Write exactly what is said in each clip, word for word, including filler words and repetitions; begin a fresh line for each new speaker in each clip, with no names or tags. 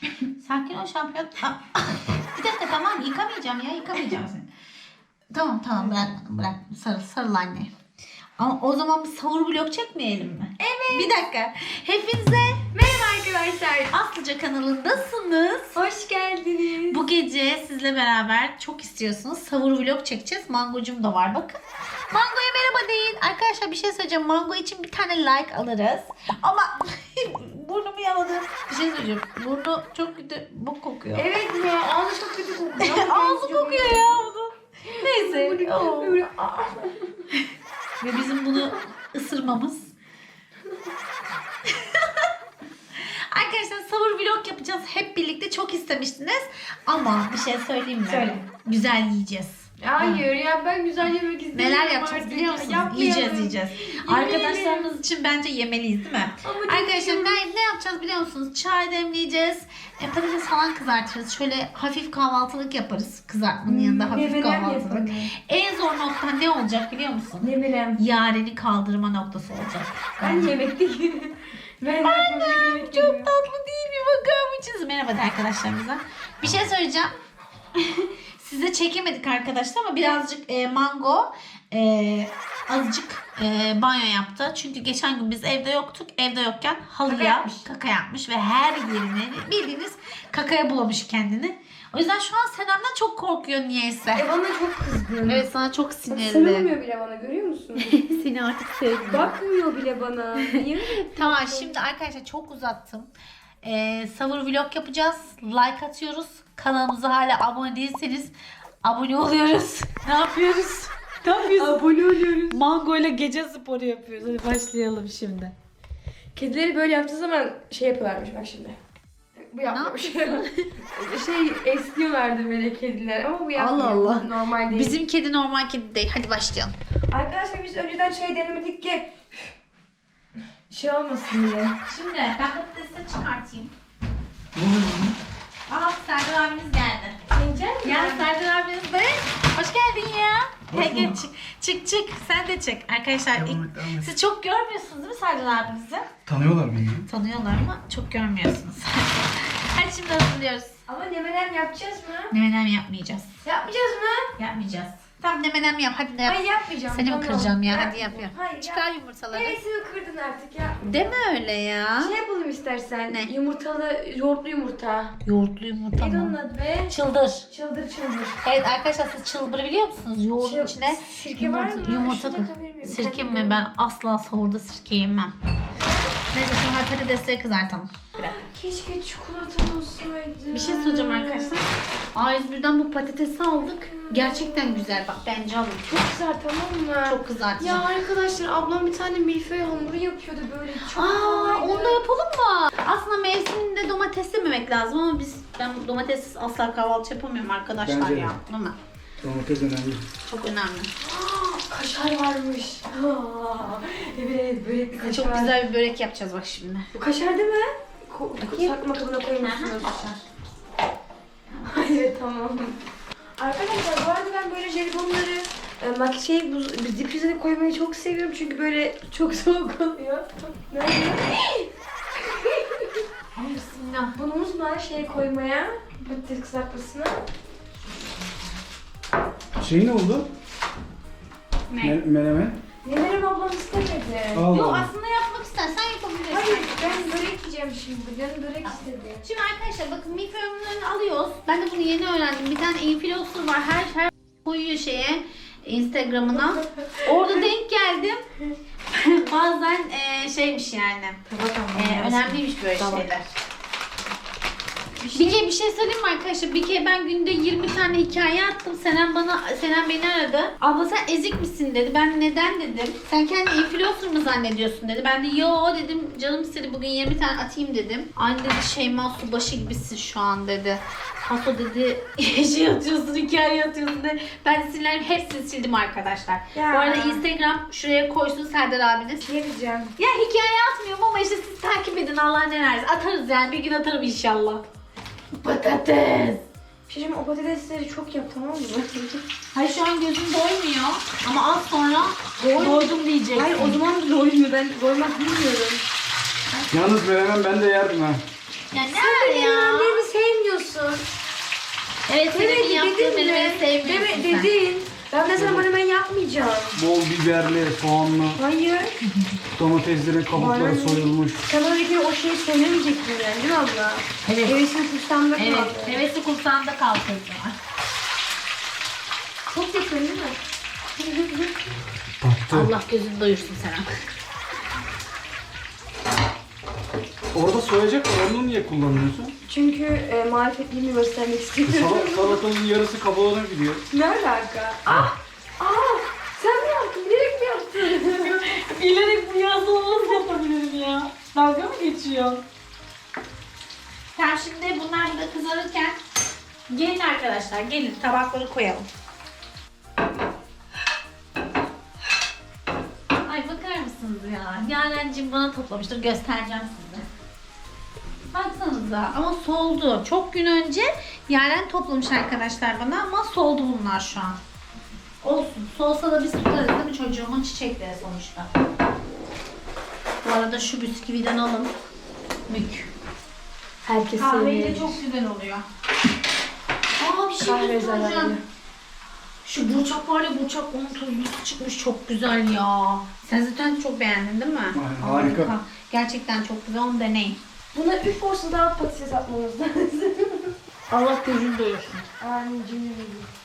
Sakin ol şampiyon. Bir dakika tamam yıkamayacağım ya yıkamayacağım seni. Tamam tamam bırak bırak sarıl sarıl anne. Ama o zaman bir savur vlog çekmeyelim mi?
Evet.
Bir dakika. Hepinize
Merhaba arkadaşlar.
Aslıca kanalındasınız.
Hoş geldiniz.
Bu gece sizle beraber çok istiyorsunuz. Savur vlog çekeceğiz. Mangocum da var bakın. Mango'ya merhaba deyin. Arkadaşlar bir şey söyleyeceğim. Mango için bir tane like alırız. Ama burnumu yaladım. Bir şey söyleyeceğim. Burnu çok kötü bok kokuyor.
Evet ya ağzı çok kötü kokuyor.
Ağzı kokuyor ya bunun. Neyse. Oo.
Böyle, aa.
Ve bizim bunu ısırmamız. Arkadaşlar savur vlog yapacağız. Hep birlikte çok istemiştiniz. Ama bir şey söyleyeyim mi?
Söyle.
Güzel yiyeceğiz.
Hayır ya ben güzel yemek istiyorum.
Neler yapacağız
artık.
biliyor musunuz?
Yapmayalım.
Yiyeceğiz yiyeceğiz.
Yemeyelim.
Arkadaşlarımız için bence yemeliyiz değil mi?
Ama
Arkadaşlar
istiyorum.
ne, ne yapacağız biliyor musunuz? Çay demleyeceğiz. E, patates falan kızartırız. Şöyle hafif kahvaltılık yaparız. Kızartmanın yanında hafif
Menemen
kahvaltılık.
yapalım.
En zor nokta ne olacak biliyor musun?
Ne bileyim.
Yareni kaldırma noktası olacak.
Ben yemekte değilim. Ben
Anne
yemek
çok tatlı değil mi? Bakar mısınız? Merhaba de arkadaşlarımıza. Bir şey söyleyeceğim. Size çekemedik arkadaşlar ama birazcık e, mango e, azıcık e, banyo yaptı. Çünkü geçen gün biz evde yoktuk. Evde yokken halıya
Kaka yapmış.
kaka yapmış ve her yerini bildiğiniz kakaya bulamış kendini. O yüzden şu an Senem'den çok korkuyor niyeyse.
E bana çok kızgın.
Evet sana çok sinirli.
Sarılmıyor bile bana görüyor musun?
Seni artık sevmiyorum.
Bakmıyor bile bana. Niye öyle?
Tamam şimdi arkadaşlar çok uzattım. Ee, savur vlog yapacağız. Like atıyoruz. Kanalımıza hala abone değilseniz abone oluyoruz. Ne yapıyoruz? Ne yapıyoruz?
Abone oluyoruz.
Mango ile gece sporu yapıyoruz. Hadi başlayalım şimdi.
Kedileri böyle yaptığı zaman şey yapıyorlarmış bak şimdi. Bu yapmış. şey esniyorlardı böyle kediler ama bu yapmıyor.
Allah Allah.
Normal değil.
Bizim kedi normal kedi değil. Hadi başlayalım.
Arkadaşlar biz önceden şey denemedik ki şey olmasın diye.
Şimdi ben patatesi çıkartayım. Aa Serdar abiniz geldi.
Yiyecek
Gel Serdar abiniz de. Hoş geldin ya. Gel gel çık çık çık. Sen de çık. Arkadaşlar
Devam
ilk-
et, devam et.
siz çok görmüyorsunuz değil mi Serdar abinizi?
Tanıyorlar beni.
Tanıyorlar ama çok görmüyorsunuz. Hadi şimdi hazırlıyoruz.
Ama nemenem yapacağız mı?
Menemen yapmayacağız.
Yapmayacağız mı?
Yapmayacağız. Tamam menemen yap hadi de yap.
Hayır yapmayacağım.
Seni mi
tamam.
kıracağım ya? Hadi
Yapmayacağım.
yap yap.
Hayır
Çıkar
yap.
yumurtaları.
Neresini kırdın artık ya?
Deme öyle ya.
Şey yapalım istersen.
Ne?
Yumurtalı, yoğurtlu yumurta.
Yoğurtlu yumurta
Neydi onun
mı?
adı be?
Çıldır.
Çıldır çıldır.
Evet arkadaşlar siz çılbırı biliyor musunuz? Yoğurdun
Şey-
içine
sirke var
yumurta,
mı?
yumurta
Şurada kalabilir miyim?
Sirke
Kendim
mi?
koyayım.
Ben asla sahurda sirke yemem. Neyse şimdi patatesleri kızartalım.
Keşke çikolata olsaydı.
Bir şey söyleyeceğim arkadaşlar. A yüz birden bu patatesi aldık. Gerçekten güzel bak bence alın.
Çok güzel tamam mı?
Çok kızartacağım.
Ya arkadaşlar ablam bir tane milföy hamuru yapıyordu böyle çok
Aa,
kolaydı.
onu da yapalım mı? Aslında mevsiminde domates yememek lazım ama biz ben domatessiz asla kahvaltı yapamıyorum arkadaşlar
Bence de.
ya. Değil mi?
Domates önemli.
Çok önemli.
Aa, kaşar varmış. Aa, evet böyle bir kaşar.
Çok güzel bir börek yapacağız bak şimdi.
Bu kaşar değil mi? Ko
Bakayım.
sakma kabına koymuşsunuz.
Kaşar.
Hayır tamam. Arkadaşlar bu arada ben böyle jelibonları e, mak şey buz difrize koymayı çok seviyorum çünkü böyle çok soğuk oluyor. Nerede?
Bismillah.
Bunu unutma şey koymaya patates kızartmasına.
Şey ne oldu?
Ne?
Me- menemen.
Nelerimi ablam istemedi.
Allah
Yok
Allah.
aslında yapmak istersen yapabilirsin.
Hayır ben börek yiyeceğim şimdi. Canım börek istedi.
Şimdi arkadaşlar bakın milföy hamurlarını alıyoruz. Ben de bunu yeni öğrendim. Bir tane influencer var. Her her koyuyor şeye Instagram'ına. Orada denk geldim. Bazen e, şeymiş yani. E, önemliymiş böyle şeyler. Bir kere bir şey söyleyeyim mi arkadaşlar? Bir kere ben günde yirmi tane hikaye attım. Senem bana, Senem beni aradı. Abla sen ezik misin dedi. Ben neden dedim. Sen kendini influencer mı zannediyorsun dedi. Ben de yo dedim. Canım istedi bugün yirmi tane atayım dedim. Anne dedi Şeyma Subaşı gibisin şu an dedi. Haso dedi şey atıyorsun, hikaye atıyorsun dedi. Ben de sinirlerim hepsini sildim arkadaşlar.
Ya.
Bu arada Instagram şuraya koysun Serdar abiniz.
Yiyeceğim.
Ya hikaye atmıyorum ama işte siz takip edin Allah ne versin. Atarız yani bir gün atarım inşallah. Patates.
Bir şey diyeyim mi? O patatesleri çok yap tamam mı?
Hayır şu an gözüm doymuyor ama az sonra doydum diyeceksin.
Hayır o zaman da doymuyor. Ben doymak bilmiyorum.
Yalnız menemen ben de yerdim ha.
Ya ne var ya?
Yemeğimi
Evet, senin
Evet
yaptığın
dedin
menemeni
mi?
sevmiyorsun
Deme,
sen.
dedin. Ben mesela menemen yapmayacağım.
Bol biberli, soğanlı,
Hayır.
domateslerin kabukları
Bana-
soyulmuş.
Sen bana bir kere o şeyi söylemeyecektin yani değil mi abla?
Evet.
Hevesin kursağımda kaldı.
Evet, hevesi kursağında kalsın.
Çok yakın değil mi?
Battı.
Allah gözünü doyursun Seren.
Orada soyacak var, onu niye kullanıyorsun?
Çünkü e, marifetliğimi göstermek
E,
istiyorum.
Sal salatanın yarısı kabuğuna gidiyor.
Ne alaka? Ah! Ah! Sen mi yaptın? Bilerek mi yaptın?
Bilerek bu yazı nasıl yapabilirim ya? Dalga mı geçiyor? Tamam, şimdi bunlar da kızarırken gelin arkadaşlar, gelin tabakları koyalım. Ay bakar mısınız ya? Yarencim bana toplamıştır, göstereceğim size. Baksanıza ama soldu. Çok gün önce Yaren toplamış arkadaşlar bana ama soldu bunlar şu an. Olsun. Solsa da biz tutarız değil mi, çocuğumun çiçekleri sonuçta. Bu arada şu bisküviden alın. Mük.
Herkes
Kahveyle
seviyor.
çok güzel oluyor. Aa, bir şey
Kahve
göstereceğim.
zararlı.
Şu burçak var ya, burçak onun tuzlusu çıkmış, çok güzel ya. Sen zaten çok beğendin değil mi?
Aynen, harika.
Gerçekten çok güzel, onu deneyin.
Buna üç porsiyon daha patates atmamız lazım.
Allah gözünü doyursun.
Anneciğim.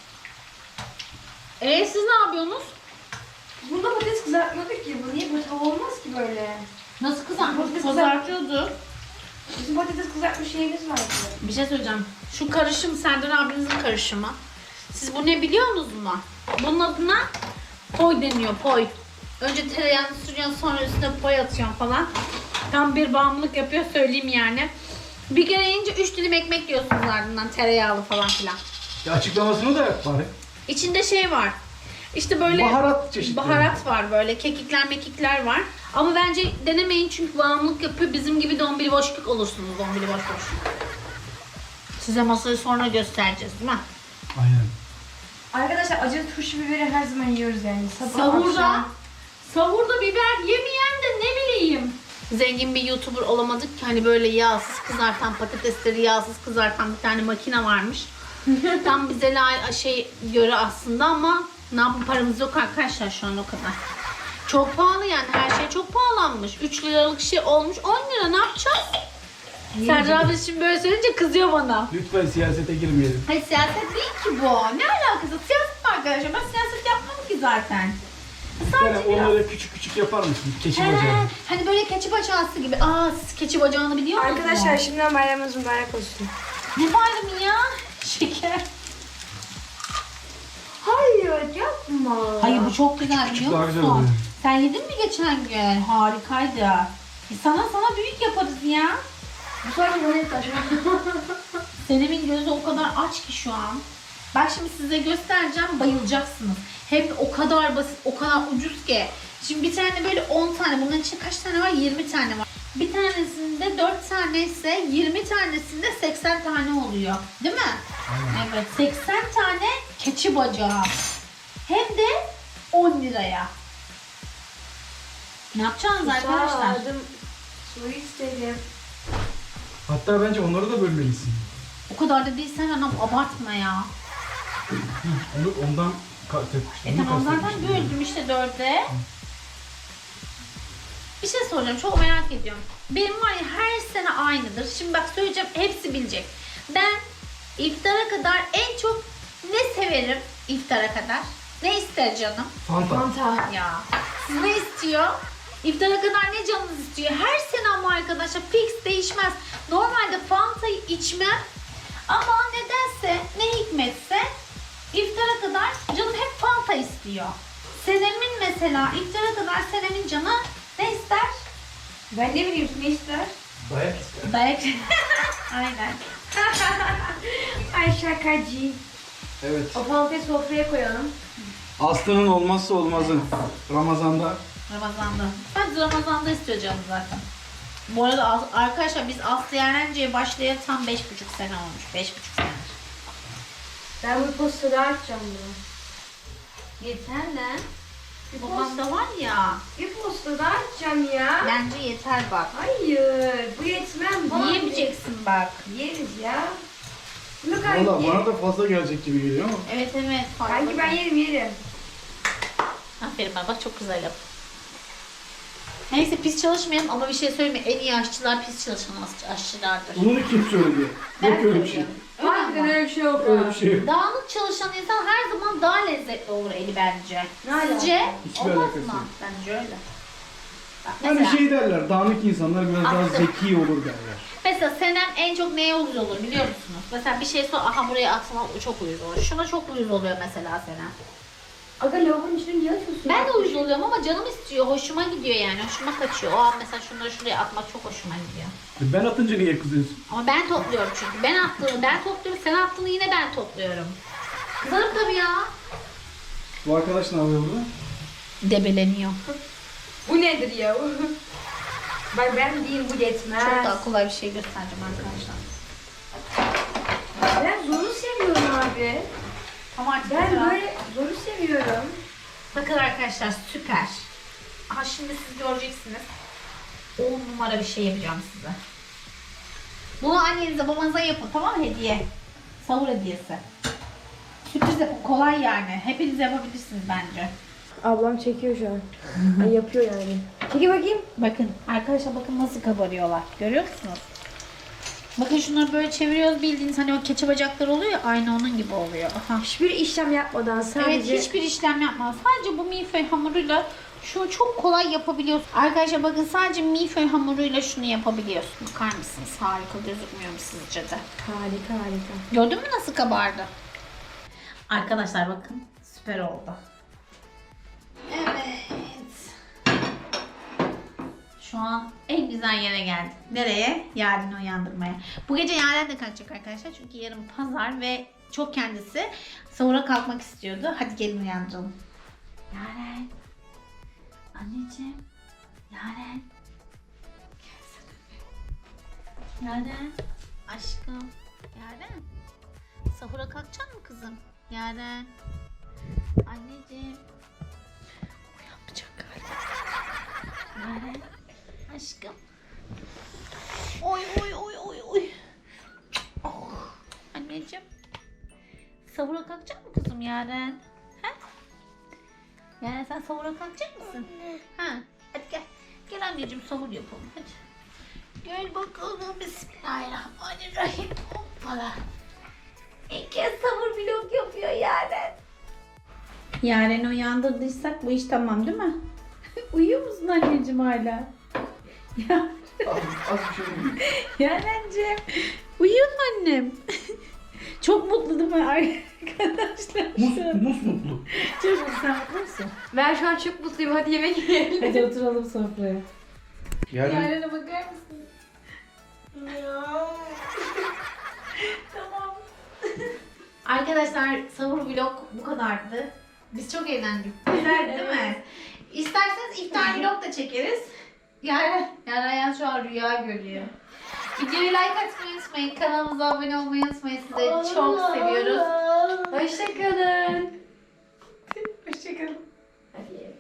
Eee siz ne yapıyorsunuz?
Bunda patates kızartmadık ki. Bu niye böyle tava olmaz ki böyle?
Nasıl kızartmış?
Patates
Kızartıyordu.
Bizim patates kızartma şeyimiz vardı.
Bir şey söyleyeceğim. Şu karışım Serdar abinizin karışımı. Siz bu ne biliyor musunuz mu? Bunun adına poy deniyor, poy. Önce tereyağını sürüyorsun, sonra üstüne poy atıyorsun falan. Tam bir bağımlılık yapıyor, söyleyeyim yani. Bir kere yiyince üç dilim ekmek yiyorsunuz ardından, tereyağlı falan filan.
Ya açıklamasını da yap bari.
İçinde şey var. İşte böyle
Baharat çeşitleri.
baharat var, böyle kekikler mekikler var. Ama bence denemeyin çünkü bağımlılık yapıyor. Bizim gibi dombili boşluk olursunuz, dombili boş boş. Size masayı sonra göstereceğiz değil mi?
Aynen.
Arkadaşlar acı turşu biberi her zaman yiyoruz yani. Sabah
Sahurda,
akşam.
sahurda biber yemeyen de ne bileyim. Zengin bir YouTuber olamadık ki, hani böyle yağsız kızartan, patatesleri yağsız kızartan bir tane makine varmış. Tam bize la şey göre aslında ama ne yapalım, paramız yok arkadaşlar şu an o kadar. Çok pahalı yani, her şey çok pahalanmış. üç liralık şey olmuş on lira, ne yapacağız? Serdar abi şimdi böyle söyleyince kızıyor bana.
Lütfen siyasete girmeyelim.
Hayır, siyaset değil ki bu. Ne alakası? Siyaset mi arkadaşlar? Ben siyaset yapmam ki zaten.
Yani
Sadece biraz...
onları küçük küçük yapar mısın? Keçi
He,
bacağı.
hani böyle keçi bacağısı gibi. Aa, siz keçi bacağını biliyor musunuz?
Arkadaşlar şimdiden bayramınız mübarek olsun.
Ne bayramı ya? Şeker.
Hayır yapma.
Hayır, bu çok güzel
küçük
biliyor
daha güzel
musun?
oluyor.
Sen yedin mi geçen gün? Harikaydı. E sana sana büyük yaparız ya.
Bu sefer bana hep taşıyor.
Senem'in gözü o kadar aç ki şu an. Bak şimdi size göstereceğim, bayılacaksınız. Hem o kadar basit, o kadar ucuz ki. Şimdi bir tane böyle on tane, bunların içinde kaç tane var? yirmi tane var. Bir tanesinde dört tane ise yirmi tanesinde seksen tane oluyor. Değil mi?
Aynen.
Evet, seksen tane keçi bacağı. Hem de on liraya. Ne yapacaksınız arkadaşlar?
Susadım. Su istedim.
Hatta bence onları da bölmelisin.
O kadar da değil, sen anam abartma ya.
Onu ondan kastetmiştim.
E
onu
tamam, zaten
kastetmiştim.
böldüm işte dörde. Bir şey soracağım, çok merak ediyorum. Benim var ya, her sene aynıdır. Şimdi bak söyleyeceğim, hepsi bilecek. Ben iftara kadar en çok ne severim iftara kadar? Ne ister canım?
Fanta.
Fanta.
Ya siz ne istiyor? İftara kadar ne canınız istiyor? Her sene ama arkadaşlar fix değişmez. Normalde Fanta'yı içmem ama nedense, ne hikmetse iftara kadar canım hep Fanta istiyor. Senem'in mesela iftara kadar Senem'in canı ne ister?
Ben ne bileyim ne ister?
Dayak ister.
Dayak. Aynen.
Ay şakacı.
Evet.
O fantayı sofraya koyalım.
Aslı'nın olmazsa olmazı. Ramazan'da.
Ramazan'da. Sadece Ramazan'da istiyor canım zaten. Bu arada As- arkadaşlar biz Aslı Yerence'ye başlayalı tam beş buçuk sene olmuş. Beş buçuk sene.
Ben bu posteri açacağım bunu.
Yeter lan.
Bir
Babamda var ya.
Bir posta daha açacağım ya.
Bence yeter bak.
Hayır, bu yetmem. Bana
Yiyemeyeceksin bak.
Yeriz ya. Bunu kanki.
Valla bana da fazla gelecek gibi geliyor ama.
Evet evet.
Kanki ben yerim yerim.
Aferin bana bak çok güzel yap. Neyse pis çalışmayalım ama bir şey söyleyeyim mi? En iyi aşçılar pis çalışan aş- aşçılardır.
Bunu kim söyledi? Yok öyle bir şey.
söylüyorum. Öyle
Harbiden
ama.
öyle bir şey yok.
Öyle bir şey yok.
Dağınık çalışan insan her zaman daha lezzetli olur eli bence.
Ne alaka?
Sizce?
Hiçbir
Olmaz
alakası
mı?
yok.
Bence öyle. Bak,
Hani
mesela,
şey derler, dağınık insanlar biraz daha
Haklı.
zeki olur derler.
mesela Senem en çok neye uyuz olur biliyor musunuz? Mesela bir şey sor, aha buraya atma çok uyuz olur. Şuna çok uyuz oluyor mesela Senem.
Aga lavabonun içine niye atıyorsun?
Ben de uyuz oluyorum ama canım istiyor, hoşuma gidiyor yani, hoşuma kaçıyor. O an mesela şunları şuraya atmak çok hoşuma gidiyor.
Ben atınca niye kızıyorsun?
Ama ben topluyorum çünkü. Ben attığını ben topluyorum, sen attığını yine ben topluyorum. Kızarım tabii ya.
Bu arkadaş ne yapıyor burada?
Debeleniyor.
Bu nedir ya? Bak ben değil bu yetmez.
Çok daha kolay bir şey göstereceğim arkadaşlar.
Ben zoru seviyorum abi.
Tamam artık
Ben
ya.
böyle zoru seviyorum.
Bakın arkadaşlar süper. Aha şimdi siz göreceksiniz. on numara bir şey yapacağım size. Bunu annenize babanıza yapın tamam mı hediye? Sahur hediyesi. Sürpriz yapın kolay yani. Hepiniz yapabilirsiniz bence.
Ablam çekiyor şu an. Ay, yapıyor yani. Çeki bakayım.
Bakın arkadaşlar bakın nasıl kabarıyorlar. Görüyor musunuz? Bakın şunları böyle çeviriyoruz bildiğiniz hani o keçe bacakları oluyor ya aynı onun gibi oluyor. Aha.
Hiçbir işlem yapmadan sadece...
Evet hiçbir işlem yapmaz. Sadece bu milföy hamuruyla şunu çok kolay yapabiliyorsun. Arkadaşlar bakın sadece milföy hamuruyla şunu yapabiliyorsun. Bakar mısınız? Harika gözükmüyor mu sizce de?
Harika harika.
Gördün mü nasıl kabardı? Arkadaşlar bakın süper oldu. Evet. Şu an en güzel yere geldik. Nereye? Yaren'i uyandırmaya. Bu gece Yaren de kalkacak arkadaşlar. Çünkü yarın pazar ve çok kendisi sahura kalkmak istiyordu. Hadi gelin uyandıralım. Yaren. Anneciğim. Yaren. Gelsene. Yaren. Aşkım. Yaren. Sahura kalkacak mı kızım? Yaren. Anneciğim. Uyanmayacak galiba. Yaren. Aşkım. Oy oy oy oy oy. Oh. Anneciğim. Sahura kalkacak mı kızım Yaren? Ha? Yaren sen sahura kalkacak mısın? Ha? Hadi gel. Gel anneciğim sahur yapalım hadi. Gel bakalım. Bismillahirrahmanirrahim. Hoppala. İlk kez sahur vlog yapıyor Yaren. Yaren'i uyandırdıysak bu iş tamam değil mi? Uyuyor musun anneciğim hala? Ya
Az, az bir şey değil.
Yaren'cim uyuyor mu annem? Çok mutlu değil mi arkadaşlar?
Mus, mus mutlu.
Çok mutlu, sen mutlu musun?
Ben şu an çok mutluyum. Hadi yemek yiyelim.
Hadi oturalım sofraya.
Yani
Yaren'e bakar mısın? Tamam. Arkadaşlar sahur vlog bu kadardı. Biz çok eğlendik. Güzel değil mi? İsterseniz iftar vlog da çekeriz. Yaren, Yaren şu an rüya görüyor. Videoyu like atmayı unutmayın. Kanalımıza abone olmayı unutmayın. Sizi çok seviyoruz.
Hoşçakalın.
Hoşçakalın.
Hadi yiyelim.